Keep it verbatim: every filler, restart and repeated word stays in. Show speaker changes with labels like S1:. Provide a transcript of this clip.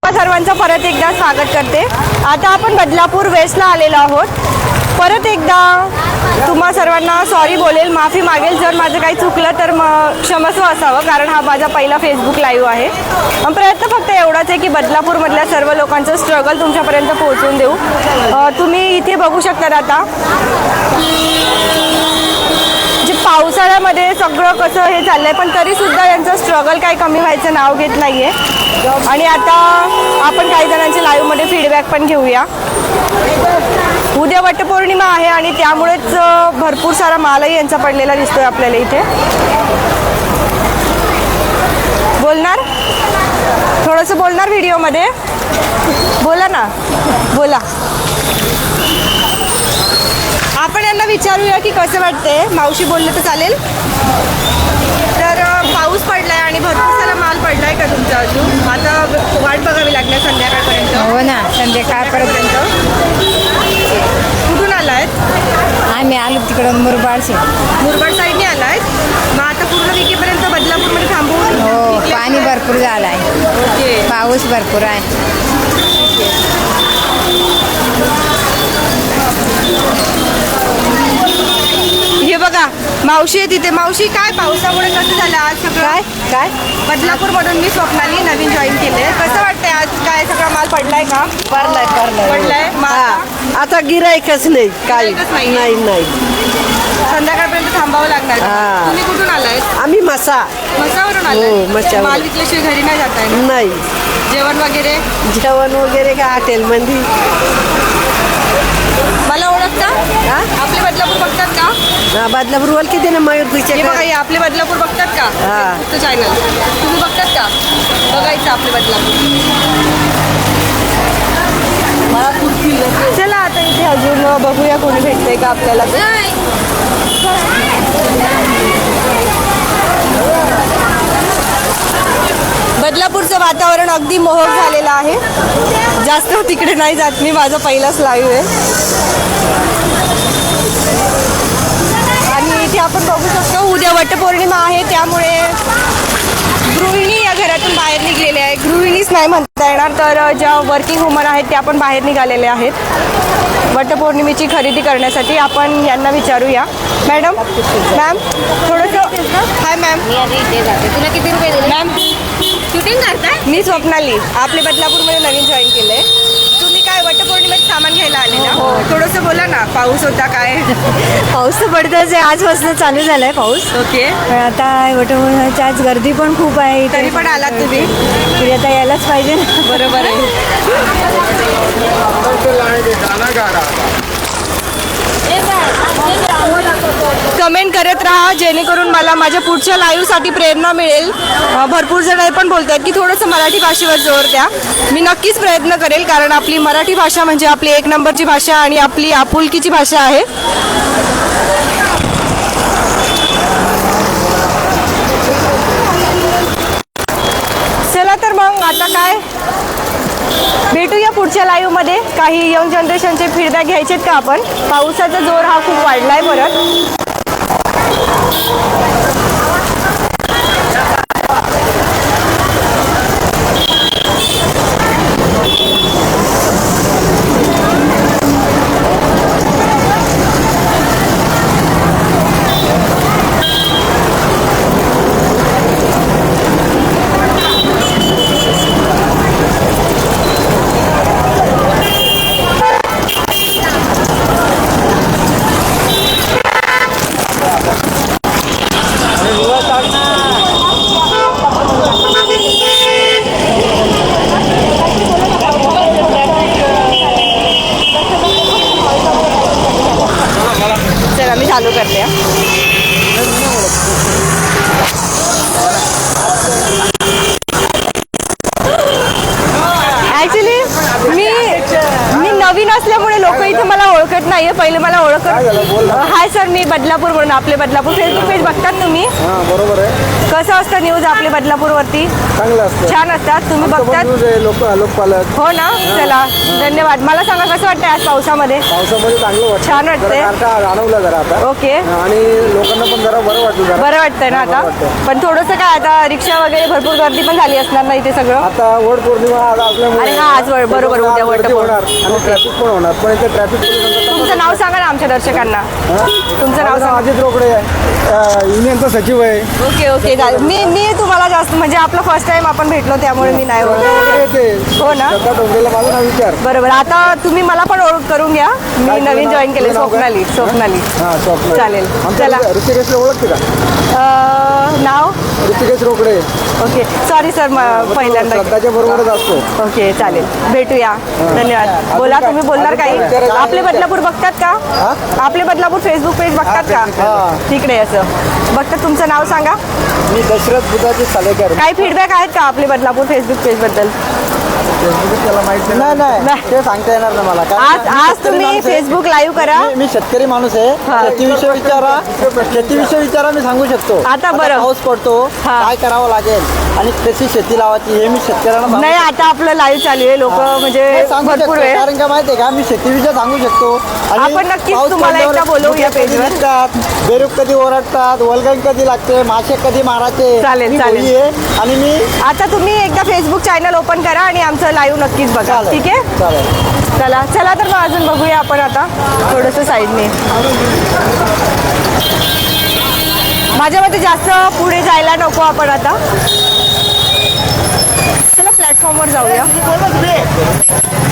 S1: सर्वांचं परत एकदा स्वागत करते। आता आपण बदलापूर वेस्टला आलेलो आहोत। परत एकदा तुम्हा सर्वांना सॉरी बोलेल, माफी मागेल जर माझं काही चुकलं तर मग क्षमस्व असावं, कारण हा माझा पहिला फेसबुक लाईव्ह आहे। पण प्रयत्न फक्त एवढाच आहे की बदलापूरमधल्या सर्व लोकांचं स्ट्रगल तुमच्यापर्यंत पोहोचवून देऊ। तुम्ही इथे बघू शकता आता जे पावसाळ्यामध्ये सगळं कसं हे चाललंय, पण तरीसुद्धा यांचं स्ट्रगल काही कमी व्हायचं नाव घेत नाही आहे। आणि आता आपण काही जणांच्या लाईव्हमध्ये फीडबॅक पण घेऊया। उद्या वटपौर्णिमा आहे आणि त्यामुळेच भरपूर सारा मालही यांचा पडलेला दिसतोय आपल्याला इथे। बोलणार थोडंसं बोलणार व्हिडिओमध्ये, बोला ना, बोला। आपण यांना विचारूया की कसं वाटतंय। मावशी बोललं तर चालेल? तर पाऊस पडलाय आणि भरपूर सारा माल पडलाय का तुमचा? अजून आता वाट बघावी लागणार संध्याकाळपर्यंत?
S2: हो ना, संध्याकाळपर्यंत।
S1: कुठून आलायत?
S2: आम्ही आलो तिकडून मुरबाड से
S1: मुरबाड साईडने आलायत। मग आता पूर्ण विकेपर्यंत बदलापूरमध्ये थांबवून?
S2: हो, पाणी भरपूर झालंय।
S1: ओके,
S2: पाऊस भरपूर आहे।
S1: हे बघा मावशी आहे तिथे। मावशी, काय पावसामुळे कसं झालं आज सगळं?
S2: काय काय
S1: बदलापूरमधून मी स्वप्नाली नवीन जॉईन केले। कसं वाटतंय आज? काय सगळा माल पडलाय का?
S3: पडलाय पडलाय
S1: पडलाय माल?
S3: हा, आता गिरायकच नाही, काही
S1: गिऱ्हाईकच नाहीये.
S3: नाही नाही
S1: संध्याकाळपर्यंत थांबावं लागणार।
S3: हा.
S1: तुम्ही कुठून आलायत?
S3: आम्ही मसा
S1: मसावरून
S3: हो,
S1: आलाय?
S3: मसावरून.
S1: माल विकल्याशिवाय घरी नाही जाताय ना?
S3: नाही
S1: जेवण वगैरे?
S3: जेवण वगैरे का हॉटेलमध्ये?
S1: मला ओळखता?
S3: हा?
S1: आपले बदलापूर बघतात का?
S3: हा, बदलापूर बोल किती ना मयूर
S1: हे
S3: पिक्चर
S1: बघा, हे आपले बदलापूर बघतात का?
S3: हा.
S1: तो चॅनल तुम्ही बघतात का? बघायचं आपले बदलापूर। चला आता इथे अजून बघूया कोणी भेटतंय का आपल्याला। बदलापूरचं वातावरण अगदी मोहक झालेलं आहे। जास्त तिकडे नाही जात मी, माझा पहिलाच लाईव्ह आहे। आणि इथे आपण बघू शकतो उद्या वटपौर्णिमा आहे, त्यामुळे गृहिणी या घरातून बाहेर निघलेल्या आहे। गृहिणीच नाही म्हणता येणार, तर ज्या वर्किंग वुमन आहेत त्या पण बाहेर निघालेल्या आहेत वटपौर्णिमेची खरेदी करण्यासाठी। आपण यांना विचारूया। मॅडम, मॅम थोडंसं, हाय मॅम,
S2: तुला किती रुपये दिले?
S1: मॅम शूटिंग करताय? मी स्वप्नाली, आपले बदलापूरमध्ये नवीन जॉईन केलंय। तुम्ही काय वटपौर्णिमेत सामान घ्यायला आले ना? हो, थोडंसं बोला ना, पाऊस होता काय?
S2: पाऊस तर पडतच आहे, आजपासून चालू झालाय पाऊस।
S1: ओके,
S2: पण आता वटपौर्णिमेची आज गर्दी पण खूप आहे इथे।
S1: तरी पण आलात तुम्ही?
S2: तरी आता यायलाच पाहिजे ना।
S1: बरोबर आहे। कमेंट करत राहा जेणेकरून मला माझ्या पुढच्या लाईव्हसाठी प्रेरणा मिळेल। भरपूर जण हे पण बोलत आहेत की थोडंसं मराठी भाषेवर जोर द्या। मी नक्कीच प्रयत्न करेल, कारण आपली मराठी भाषा म्हणजे आपली एक नंबरची भाषा आणि आपली आपुलकीची भाषा आहे। चला तर मग आता काय, भेटूया पुढच्या लाईव्हमध्ये। काही यंग जनरेशनचे फीडबॅक घ्यायचेत का आपण? पावसाचा जोर हा खूप वाढलाय परत। चला मी चालू करते। ॲक्च्युली मी मी नवीन नवीन असल्यामुळे लोक इथे मला ओळखत नाहीये. पहिले मला ओळखत. हाय सर, मी बदलापूर म्हणून आपले बदलापूर फेसबुक पेज बघतात तुम्ही?
S4: हा बरोबर आहे.
S1: कसं असतं न्यूज आपले बदलापूर वरती?
S4: चांगलं असतं.
S1: छान असतात. तुम्ही
S4: आमचं पण
S1: बघतात?
S4: न्यूज आहे, लोक लोकपालक.
S1: हो ना. चला धन्यवाद. मला सांगा कसं वाटतंय आज पावसामध्ये?
S4: पावसामध्ये चांगलं वाटतं.
S1: छान वाटतंय.
S4: जरा गारठा जाणवला जरा आता.
S1: ओके.
S4: आणि लोकांना पण जरा बरं वाटलं जरा.
S1: बरं वाटतंय ना आता?
S4: बरं वाटतंय.
S1: पण थोडंसं काय आता रिक्षा वगैरे भरपूर गर्दी पण झाली असणार ना इथे सगळं?
S4: आता वड पौर्णिमा आज असल्यामुळे
S1: अरे हा, आज वड- बरोबर,
S4: त्याच्यामुळे
S1: उद्या वड
S4: गर्दी
S1: पौर्णिमा.
S4: होणार आणि ट्रॅफिक पण होणार. पण इथे ट्रॅफिक पोलिसांचं
S1: तुमचं नाव सांगा ना आमच्या दर्शकांना. तुमचं नाव सांगा.
S4: अजित रोकडे आहे, युनियनचा सचिव आहे.
S1: ओके ओके चालेल. मी मी तुम्हाला जास्त म्हणजे आपलं फर्स्ट टाइम आपण भेटलो त्यामुळे मी नाही ओळखत. हो ना.
S4: श्रद्धा डोंगरेला माझं नाव विचार.
S1: बरोबर. आता तुम्ही मला पण ओळख करून घ्या. मी
S4: काय
S1: नवीन
S4: तुझं
S1: जॉईन
S4: नाव?
S1: केले.
S4: तुझं नाव काय?
S1: स्वप्नाली. स्वप्नाली.
S4: हा स्वप्न.
S1: चालेल.
S4: आमच्या
S1: चला.
S4: ऋषिकेशला ओळखते का?
S1: अं, नाव?
S4: Rishikesh Rokade.
S1: Okay sorry sir पहिल्यांदा.
S4: श्रद्धाच्या बरोबरच असतो.
S1: ओके चालेल. भेटूया. धन्यवाद. बोला, तुम्ही बोलणार काही? आपले बदलापूर बघतात का? आपले बदलापूर फेसबुक पेज बघतात का?
S4: हा.
S1: तिकडे असं बघतात. तुमचं नाव सांगा.
S4: मी दशरथ बुधाचे सालेकर.
S1: काही फीडबॅक आहेत का आपले बदलापूर फेसबुक पेज बद्दल?
S4: त्याला माहिती नाही. नाही ते सांगता येणार ना मला. कारण
S1: आज
S4: मी
S1: आज
S4: शेतकरी
S1: तुम्ही
S4: माणूस आहे.
S1: फेसबुक लाईव्ह करा.
S4: मी- मी शेतकरी माणूस आहे.
S1: हा.
S4: शेतीविषयी विचारा शेतीविषयी विचारा मी सांगू शकतो.
S1: आता बरं.
S4: पाऊस पडतो,
S1: हा.
S4: काय करावं लागेल आणि कशी शेती लावायची हे मी शेतकऱ्यांना सांगू
S1: नाही, आता आपलं लाईव्ह चालू आहे. लोक म्हणजे
S4: हे सांगू
S1: भरपूर
S4: शकतो.
S1: वेळ.
S4: कारण का माहितीये का मी शेतीविषयी सांगू शकतो. आणि
S1: आपण नक्कीच
S4: पाऊस
S1: तुम्हाला
S4: पडल्यावर
S1: एकदा बोलवू या
S4: मुके कधी
S1: पेजवर.
S4: निघतात, बेरूक कधी ओरडतात, वल्गण कधी लागते, मासे कधी मारायचे.
S1: चालेल,
S4: मी
S1: चालेल.
S4: भोई आहे आणि मी
S1: आता तुम्ही एकदा फेसबुक चॅनल ओपन करा आणि आमचं लाईव्ह नक्कीच बघा.
S4: चालेल.
S1: ठीक आहे.
S4: चालेल.
S1: चला चला तर मग अजून बघूया आपण आता थोडंसं साईडने. माझ्या मते जास्त पुढे जायला नको आपण आता. चला प्लॅटफॉर्मवर जाऊया.